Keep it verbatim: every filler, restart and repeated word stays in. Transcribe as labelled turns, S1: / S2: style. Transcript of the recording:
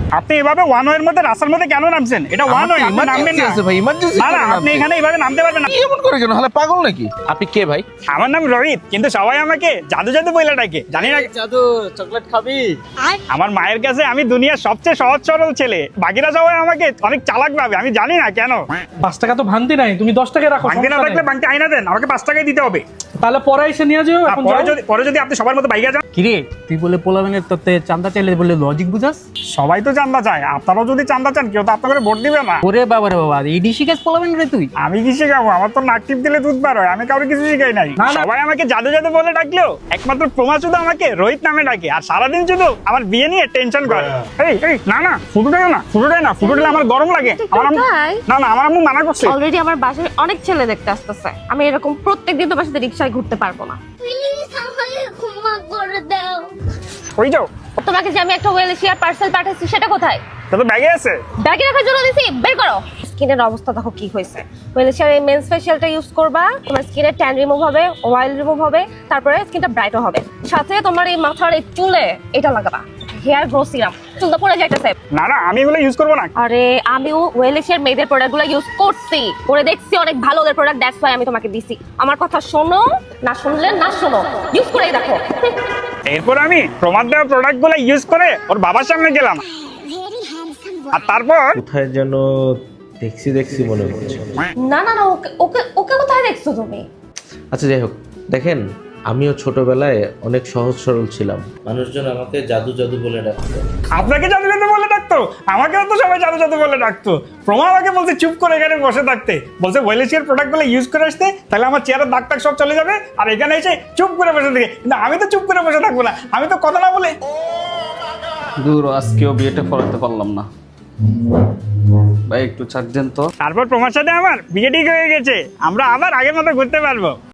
S1: আপনি এভাবে ওয়ান ওয়ের মধ্যে রাস্তার মধ্যে কেন নামছেন? এটা ওয়ান ওয়ে, আপনি নামবেন না।
S2: আছে ভাই, ইমার্জেন্সি।
S1: না না, আপনি এখানে এইভাবে নামতে পারবেন না।
S2: এমন করে কেন? হলে পাগল নাকি? আপনি কে ভাই?
S1: আমার নাম রোহিত, কিন্তু সবাই আমাকে জাদু জাদু বলে ডাকে, জানি না।
S3: জাদু চকলেট খাবি?
S1: আমার মায়ের কাছে আমি দুনিয়ার সবচেয়ে সহজ সরল ছেলে, বাকিরা সবাই আমাকে অনেক চালাক ভাবে, আমি জানি না কেন।
S4: পাঁচ টাকা তো ভাঙতি নাই, তুমি দশ টাকা রাখো।
S1: বাংতি না
S4: সমস্যা
S1: থাকলে
S4: নাই।
S1: বাংতি আইনা দেন, আমাকে পাঁচ টাকাই দিতে হবে।
S4: তাহলে পরে এসে নিয়ে যাও।
S1: আর
S4: এখন
S1: পরে
S4: যাও।
S1: যদি পরে যদি আপনি সবার মতো বাইকে যান।
S3: কিরে তুই বলে পোলাবেনের তোতে চান্দা চাইলে বলে লজিক বুঝাস?
S1: সবাই তো চান্দা চায়, আপনারাও যদি চান্দা চান কেউ তো আপনাকে ভোট দিবে না।
S3: ওরে বাবা রে বাবা, এই ডিসি কাজ পোলাবেন রে তুই?
S1: আমি কি শিখাবো? আমার তো নাক টিপ দিলে দুধ বার হয়, আমি কাউকে কিছু শিখাই নাই।
S4: না, না।
S1: সবাই আমাকে জাদু জাদু বলে ডাকলেও একমাত্র প্রমা শুধু আমাকে রোহিত নামে ডাকে, আর সারাদিন শুধু আমার বিয়ে নিয়ে টেনশন করে। এই এই না না, ফুটুটাই না, ফুটুটাই না, ফুটুটাই আমার গরম লাগে। আমার আম্মু-
S5: তাই?
S1: না না, আমার আম্মু মানা করছে।
S5: অলরেডি আমার বাসায় অনেক ছেলে দেখতে আসতেছে, আমি এরকম প্রত্যেকদিন তোমার সাথে রিক্সায় ঘুরতে পারবো না।
S6: প্লিজ আমাকে ক্ষমা করে দাও।
S1: ওই যাও,
S5: তোমাকে যে আমি একটা ওয়েলশিয়ার পার্সেল পাঠাচ্ছি সেটা কোথায়?
S1: তা তো ব্যাগে আছে।
S5: ব্যাগে রাখার জন্য দিছি, বের করো। স্কিনের অবস্থা দেখো কি হয়েছে। ওয়েলশিয়ার এই মেন্স ফেশিয়ালটা ইউজ করবা, তোমার স্কিনের ট্যান রিমুভ হবে, অয়েল রিমুভ হবে, তারপরে স্কিনটা ব্রাইটও হবে। সাথে তোমার এই মাথার এই চুলে এটা লাগাবা, হেয়ার গ্রো সিরাম। চুলটা পড়ে যাইতেছে।
S1: না না, আমি এগুলো ইউজ করবো না।
S5: আরে আমিও ওয়েলশিয়ার মেয়েদের প্রোডাক্টগুলো ইউজ করছি, করে দেখছি অনেক ভালো ওদের প্রোডাক্ট, দ্যাটস ওয়াই আমি তোমাকে দিছি। আমার কথা শোনো, না শুনলে না শোনো, ইউজ করেই দেখো।
S1: এরপর আমি প্রমাদ দেওয়া প্রোডাক্ট গুলো ইউজ করে ওর বাবার সামনে গেলাম,
S6: ভেরি হ্যান্ডসাম
S1: আর তারপর
S7: কোথায় যেন দেখছি দেখছি মনে হচ্ছে।
S5: না না না, ওকে ওকে ওকে কোথায় দেখছো তুমি?
S7: আচ্ছা যাই হোক, দেখেন আমিও ছোটবেলায় অনেক সহজ সরল ছিলাম, মানুষজন আমাকে জাদু জাদু বলে ডাকতো।
S1: আপনাকে জাদু জাদু বলে ডাকতো, আমাকেও তো সবাই জাদু জাদু বলে ডাকতো। প্রমা আমাকে বলছে চুপ করে এখানে বসে থাকতে, বলছে ওয়েলেশিয়ার প্রোডাক্ট গুলো ইউজ করে আসতে, তাহলে আমার চেয়ারের দাগ টাগ সব চলে যাবে, আর এখানে এসে চুপ করে বসে থাকে। কিন্তু আমি তো চুপ করে বসে থাকবো না, আমি তো কথা না বলে।
S3: দূর, আজকেও বিয়েটা করাতে পারলাম না ভাই, একটু ছাড় দেন তো।
S1: তারপর প্রমার সাথে আমার বিয়ে ঠিক হয়ে গেছে, আমরা আবার আগের মতো ঘুরতে পারবো।